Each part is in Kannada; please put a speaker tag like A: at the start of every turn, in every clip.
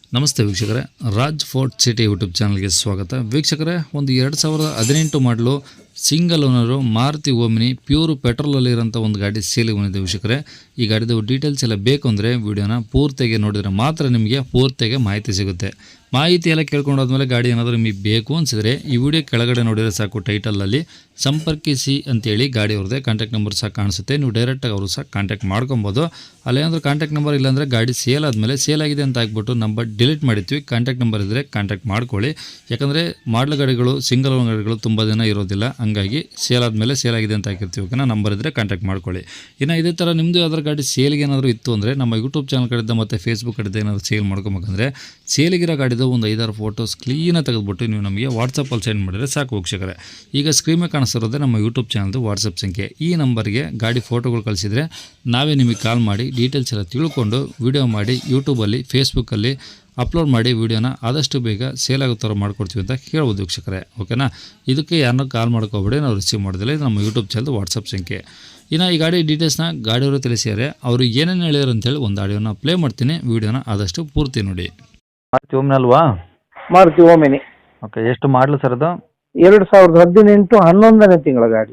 A: ನಮಸ್ತೆ ವೀಕ್ಷಕರೇ, ರಾಜ್ ಫೋರ್ಟ್ ಸಿಟಿ ಯೂಟ್ಯೂಬ್ ಚಾನಲ್ಗೆ ಸ್ವಾಗತ. ವೀಕ್ಷಕರೇ, ಒಂದು 2018 ಮಾಡಲು single owner Maruti Omni pure ಪೆಟ್ರೋಲಲ್ಲಿರೋಂಥ ಒಂದು ಗಾಡಿ ಸೇಲಿಗೆ ಬಂದಿದೆ ವೀಕ್ಷಕರೇ. ಈ ಗಾಡಿದು ಡೀಟೇಲ್ಸ್ ಎಲ್ಲ ಬೇಕು ಅಂದರೆ ವಿಡಿಯೋನ ಪೂರ್ತಿಯಾಗಿ ನೋಡಿದರೆ ಮಾತ್ರ ನಿಮಗೆ ಪೂರ್ತಿಯಾಗಿ ಮಾಹಿತಿ ಸಿಗುತ್ತೆ. ಮಾಹಿತಿ ಎಲ್ಲ ಕೇಳ್ಕೊಂಡಾದ್ಮೇಲೆ ಗಾಡಿ ಏನಾದರೂ ನಿಮಗೆ ಬೇಕು ಅನಿಸಿದರೆ ಈ ವಿಡಿಯೋ ಕೆಳಗಡೆ ನೋಡಿದರೆ ಸಾಕು, ಟೈಟಲಲ್ಲಿ ಸಂಪರ್ಕಿಸಿ ಅಂತೇಳಿ ಗಾಡಿ ಅವ್ರದ್ದೇ ಕಾಂಟ್ಯಾಕ್ಟ್ ನಂಬರ್ ಸಹ ಕಾಣಿಸುತ್ತೆ. ನೀವು ಡೈರೆಕ್ಟಾಗಿ ಅವರು ಸಹ ಕಾಂಟ್ಯಾಕ್ಟ್ ಮಾಡ್ಕೊಬೋದು. ಅಲ್ಲೇನಾದರೂ ಕಾಂಟ್ಯಾಕ್ಟ್ ನಂಬರ್ ಇಲ್ಲಾಂದರೆ ಗಾಡಿ ಸೇಲ್ ಆದಮೇಲೆ ಸೇಲ್ ಆಗಿದೆ ಅಂತ ಹಾಕ್ಬಿಟ್ಟು ನಂಬರ್ ಡಿಲೀಟ್ ಮಾಡಿರ್ತೀವಿ. ಕಾಂಟ್ಯಾಕ್ಟ್ ನಂಬರ್ ಇದ್ದರೆ ಕಾಂಟ್ಯಾಕ್ಟ್ ಮಾಡ್ಕೊಳ್ಳಿ. ಯಾಕಂದರೆ ಮಾಡಲ್ ಗಾಡಿಗಳು, ಸಿಂಗಲ್ ಓನ್ ಗಾಡಿಗಳು ತುಂಬ ದಿನ ಇರೋದಿಲ್ಲ, ಹಂಗಾಗಿ ಸೇಲ್ ಆದಮೇಲೆ ಸೇಲ್ ಆಗಿದೆ ಅಂತ ಹಾಕಿರ್ತೀವಿ. ಓಕೆನಾ, ನಂಬರ್ ಇದ್ದರೆ ಕಾಂಟ್ಯಾಕ್ಟ್ ಮಾಡ್ಕೊಳ್ಳಿ. ಇನ್ನು ಇದೇ ಥರ ನಿಮ್ಮದು ಯಾವ್ದಾರು ಗಾಡಿ ಸೇಲ್ಗೆ ಏನಾದರೂ ಇತ್ತು ಅಂದರೆ ನಮ್ಮ ಯೂಟ್ಯೂಬ್ ಚಾನಲ್ ಕಡೆಯಿಂದ ಮತ್ತು ಫೇಸ್ಬುಕ್ ಕಡೆಯಿಂದ ಏನಾದರೂ ಸೇಲ್ ಮಾಡ್ಕೊಬೇಕಂದ್ರೆ ಸೇಲಿಗಿರೋ ಗಾಡಿದು ಒಂದು 5-6 ಫೋಟೋಸ್ ಕ್ಲೀನಾಗಿ ತೆಗೆದುಬಿಟ್ಟು ನೀವು ನಮಗೆ ವಾಟ್ಸಪ್ಪಲ್ಲಿ ಸೆಂಡ್ ಮಾಡಿದರೆ ಸಾಕು ವೀಕ್ಷಕರೇ. ಈಗ ಸ್ಕ್ರೀನ್ ಮೇಲೆ ಕಾಣಿಸ್ತಿರೋದೇ ನಮ್ಮ ಯೂಟ್ಯೂಬ್ ಚಾನಲ್ದು ವಾಟ್ಸಪ್ ಸಂಖ್ಯೆ. ಈ ನಂಬರ್ಗೆ ಗಾಡಿ ಫೋಟೋಗಳು ಕಳಿಸಿದರೆ ನಾವೇ ನಿಮಗೆ ಕಾಲ್ ಮಾಡಿ ಡೀಟೇಲ್ಸ್ ಎಲ್ಲ ತಿಳ್ಕೊಂಡು ವಿಡಿಯೋ ಮಾಡಿ ಯೂಟ್ಯೂಬಲ್ಲಿ, ಫೇಸ್ಬುಕ್ಕಲ್ಲಿ ಅಪ್ಲೋಡ್ ಮಾಡಿ ವಿಡಿಯೋನ ಆದಷ್ಟು ಬೇಗ ಸೇಲ್ ಆಗೋ ಥರ ಮಾಡ್ಕೊಡ್ತೀವಿ ಅಂತ ಹೇಳ್ಬೋದು ವೀಕ್ಷಕರೇ. ಓಕೆನಾ, ಇದಕ್ಕೆ ಯಾರನ್ನೂ ಕಾಲ್ ಮಾಡ್ಕೋಬೇಡಿ, ನಾವು ರಿಸೀವ್ ಮಾಡೋದಿಲ್ಲ. ಇದು ನಮ್ಮ ಯೂಟ್ಯೂಬ್ ಚಾನಲ್ದು ವಾಟ್ಸಪ್ ಸಂಖ್ಯೆ. ಇನ್ನು ಈ ಗಾಡಿ ಡೀಟೇಲ್ಸ್ನ ಗಾಡಿಯವರು ತಿಳಿಸಿದ್ದಾರೆ. ಅವರು ಏನೇನು ಹೇಳಿದ್ರು ಅಂತೇಳಿ ಒಂದು ಆಡಿಯೋನ ಪ್ಲೇ ಮಾಡ್ತೀನಿ, ವಿಡಿಯೋನ ಆದಷ್ಟು ಪೂರ್ತಿ ನೋಡಿ.
B: ಮಾರುತಿ ಓಮಿನಿ ಅಲ್ವಾ?
C: ಮಾರುತಿ ಓಮಿನಿ.
B: ಓಕೆ, ಎಷ್ಟು ಮಾಡಲು ಸರ್ ಅದು?
C: 2018 11ನೇ ತಿಂಗಳ ಗಾಡಿ.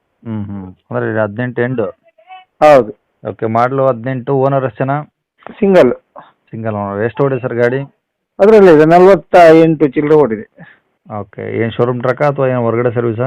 B: ಅಂದರೆ 18 ಎಂಡು.
C: ಹೌದು.
B: ಓಕೆ, ಮಾಡಲು 18. ಓನರ್ ಎಷ್ಟು ಜನ?
C: Single
B: owner. ಎಷ್ಟು ಓಡಿದೆ ಸರ್ ಗಾಡಿ?
C: ಅದರಲ್ಲಿ ಇದೆ 48 ಚಿಲ್ಲರೆ ಓಡಿದೆ.
B: ಓಕೆ, ಏನು ಶೋರೂಮ್ ಟ್ರಕ್ಕ ಅಥವಾ ಏನು ಹೊರಗಡೆ ಸರ್ವಿಸಾ?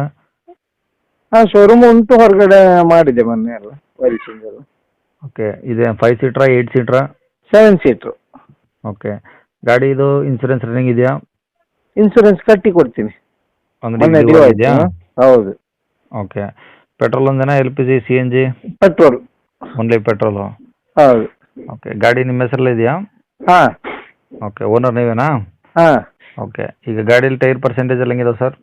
C: ಹಾಂ, ಶೋರೂಮ್ ಉಂಟು, ಹೊರಗಡೆ ಮಾಡಿದೆ ಮೊನ್ನೆ ಎಲ್ಲ ವೈಲ್ ಸಿಂಗಲ್.
B: ಓಕೆ, ಇದೆ 5 ಸೀಟ್ರಾ 8 ಸೀಟ್ರಾ?
C: 7 ಸೀಟ್ರು.
B: ಓಕೆ, ಗಾಡಿ ಇದು ಇನ್ಸೂರೆನ್ಸ್ ರನ್ನಿಂಗ್ ಇದೆಯಾ?
C: ಇನ್ಸೂರೆನ್ಸ್ ಕಟ್ಟಿ ಕೊಡ್ತೀನಿ.
B: ಅಂದ್ರೆ
C: ಮೊನ್ನೆ
B: due
C: due
B: ಆಗಿದೆಯಾ?
C: ಆಯ್ತು. ಹೌದು.
B: ಓಕೆ, ಪೆಟ್ರೋಲ್ ಒಂದೇನಾ LPG CNG?
C: Petrol.
B: Only petrol.
C: ಹೌದು.
B: ಓಕೆ, ಗಾಡಿ ನಿಮ್ಮ ಹೆಸರಲ್ಲೇ ಇದೆಯಾ?
C: ಹಾಂ
B: ಓಕೆ, ಓನರ್ ನೀವೇನಾ?
C: ಹಾಂ.
B: ಓಕೆ, ಈಗ ಗಾಡೀಲಿ ಟೈರ್ ಪರ್ಸೆಂಟೇಜ್ ಎಲ್ಲ ಹೆಂಗಿದೆ ಸರ್?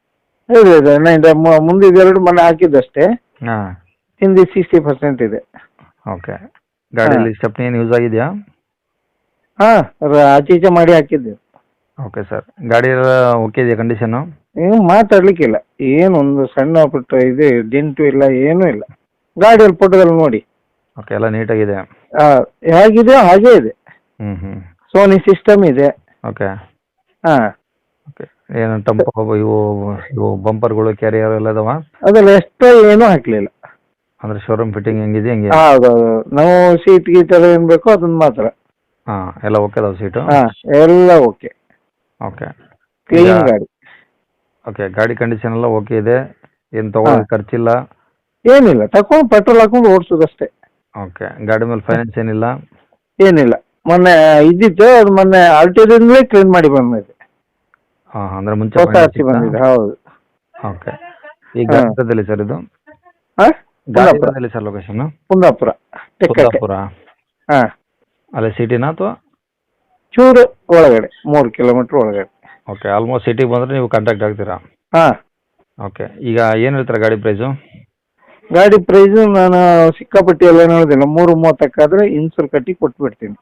C: ಇದೆ ಮುಂದಿದ್ದು 2 ಮನೆ ಹಾಕಿದ್ದಷ್ಟೇ.
B: ಹಾಂ.
C: ಹಿಂದೆ 60% ಇದೆ.
B: ಓಕೆ, ಗಾಡೀಲಿ ಸ್ಟೆಪ್ನಿ ಏನು ಯೂಸ್ ಆಗಿದೆಯಾ?
C: ಹಾಂ, ಆಚೆ ಈಚೆ ಮಾಡಿ ಹಾಕಿದ್ದೆ.
B: ಓಕೆ ಸರ್, ಗಾಡಿ ಎಲ್ಲ ಓಕೆ ಇದೆಯಾ ಕಂಡೀಷನ್ನು?
C: ಏನು ಮಾತಾಡ್ಲಿಕ್ಕಿಲ್ಲ, ಏನೊಂದು ಸಣ್ಣ ಪುಟ್ಟ ಇದೆ ಡೆಂಟು ಇಲ್ಲ, ಏನೂ ಇಲ್ಲ. ಗಾಡಿಯಲ್ಲಿ ಫೋಟೋದಲ್ಲಿ ನೋಡಿ.
B: ಓಕೆ, ಎಲ್ಲ ನೀಟಾಗಿದೆ.
C: ಹೇಗಿದೆ ಹಾಗೇ ಇದೆ.
B: ಹ್ಞೂ.
C: ಸೋನಿ ಸಿಸ್ಟಮ್ ಇದೆ.
B: ಓಕೆ.
C: ಹಾಂ.
B: ಓಕೆ, ಏನು ಟಂಪೋ ಇವು ಬಂಪರ್ಗಳು, ಕ್ಯಾರಿಯರ್ ಎಲ್ಲ ಇದಾವ?
C: ಅದೆಲ್ಲ ಎಷ್ಟೋ ಏನೂ ಹಾಕ್ಲಿಲ್ಲ.
B: ಅಂದರೆ ಶೋರೂಮ್ ಫಿಟ್ಟಿಂಗ್ ಹೆಂಗಿದೆ ಹೆಂಗೆ?
C: ಹೌದೌದು, ನಾವು ಸೀಟ್ ಗೀಟ್ ಎಲ್ಲ ಏನು ಬೇಕೋ ಅದನ್ನ ಮಾತ್ರ.
B: ಹಾಂ, ಎಲ್ಲ ಓಕೆ ಅದಾವ ಸೀಟು?
C: ಹಾಂ, ಎಲ್ಲ ಓಕೆ.
B: ಓಕೆ,
C: ಕ್ಲೀನ್ ಗಾಡಿ.
B: ಓಕೆ, ಗಾಡಿ ಕಂಡೀಷನ್ ಎಲ್ಲ ಓಕೆ ಇದೆ, ಏನು ತೊಗೊಳೋದು ಖರ್ಚಿಲ್ಲ?
C: ಏನಿಲ್ಲ, ತಕೊಂಡು ಪೆಟ್ರೋಲ್ ಹಾಕೊಂಡು ಓಡಿಸೋದಷ್ಟೇ.
B: ಓಕೆ, ಗಾಡಿ ಮೇಲೆ ಫೈನಾನ್ಸ್ ಏನಿಲ್ಲ?
C: ಏನಿಲ್ಲ, ಮೊನ್ನೆ ಇದ್ದಿತ್ತು, ಅದು ಮೊನ್ನೆ ಆಲ್ಟಿದಿಂದಲೇ ಕ್ಲೀನ್ ಮಾಡಿ ಬಂದಿದೆ.
B: ಹಾಂ, ಅಂದರೆ ಮುಂಚೆ
C: ಹೊಸ ಹಚ್ಚಿ ಬಂದಿದೆ. ಹೌದು.
B: ಓಕೆ, ಈ ಗಾಡಿ ಸರ್ ಇದು?
C: ಹಾಂ,
B: ಗಾಡಿ ಸರ್ ಲೊಕೇಶನ್?
C: ಕುಂದಾಪುರ.
B: ಕುಂದಾಪುರ.
C: ಹಾಂ.
B: ಅಲ್ಲೇ ಸಿಟಿನಾ ಅಥವಾ?
C: ಚೂರು ಒಳಗಡೆ, 3 ಕಿಲೋಮೀಟ್ರ್ ಒಳಗಡೆ.
B: ಓಕೆ, ಆಲ್ಮೋಸ್ಟ್ ಸಿಟಿಗೆ ಬಂದರೆ ನೀವು ಕಾಂಟ್ಯಾಕ್ಟ್ ಆಗ್ತೀರಾ?
C: ಹಾಂ.
B: ಓಕೆ, ಈಗ ಏನು ಹೇಳ್ತೀರಾ ಗಾಡಿ ಪ್ರೈಸು?
C: ಗಾಡಿ ಪ್ರೈಸು ನಾನು ಸಿಕ್ಕಾಪಟ್ಟಿ ಎಲ್ಲ ನೋಡಿದಿಲ್ಲ, 3:30 ಇನ್ಸೂರ್ ಕಟ್ಟಿ ಕೊಟ್ಬಿಡ್ತೀನಿ.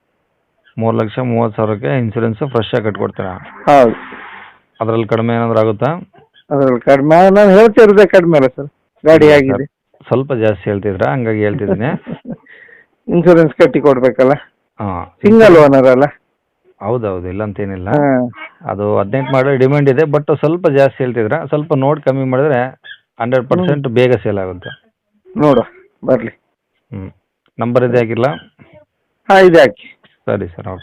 B: 3,30,000ಕ್ಕೆ ಇನ್ಸೂರೆನ್ಸ್ ಫ್ರೆಶ್ ಆಗಿ ಕಟ್ಕೊಡ್ತೀರಾ?
C: ಹೌದು.
B: ಅದರಲ್ಲಿ ಕಡಿಮೆ ಏನಾದರೂ ಆಗುತ್ತಾ?
C: ಅದ್ರಲ್ಲಿ ಕಡಿಮೆ ನಾನು ಹೇಳ್ತಿರೋದೇ ಕಡಿಮೆ ಅಲ್ಲ ಸರ್, ಗಾಡಿ ಆಗಿದೆ.
B: ಸ್ವಲ್ಪ ಜಾಸ್ತಿ ಹೇಳ್ತಿದ್ರಾ, ಹಂಗಾಗಿ ಹೇಳ್ತಿದ್ದೀನಿ.
C: ಇನ್ಸೂರೆನ್ಸ್ ಕಟ್ಟಿ ಕೊಡ್ಬೇಕಲ್ಲ.
B: ಹಾಂ,
C: ಸಿಂಗಲ್ ಓನರ್ ಅಲ್ಲ.
B: ಹೌದೌದು, ಇಲ್ಲ ಅಂತೇನಿಲ್ಲ.
C: ಹಾಂ.
B: ಅದು 18 ಮಾಡೋ ಡಿಮ್ಯಾಂಡ್ ಇದೆ, ಬಟ್ ಸ್ವಲ್ಪ ಜಾಸ್ತಿ ಹೇಳ್ತಿದ್ರ, ಸ್ವಲ್ಪ ನೋಡಿ ಕಮ್ಮಿ ಮಾಡಿದ್ರೆ 100% ಬೇಗ ಸೇಲ್ ಆಗುತ್ತೆ.
C: ನೋಡುವ, ಬರಲಿ.
B: ನಂಬರ್ ಇದೆ ಹಾಕಿಲ್ಲ?
C: ಹಾಂ, ಇದೆ ಹಾಕಿ.
B: ಸರಿ ಸರ್, ಓಕೆ.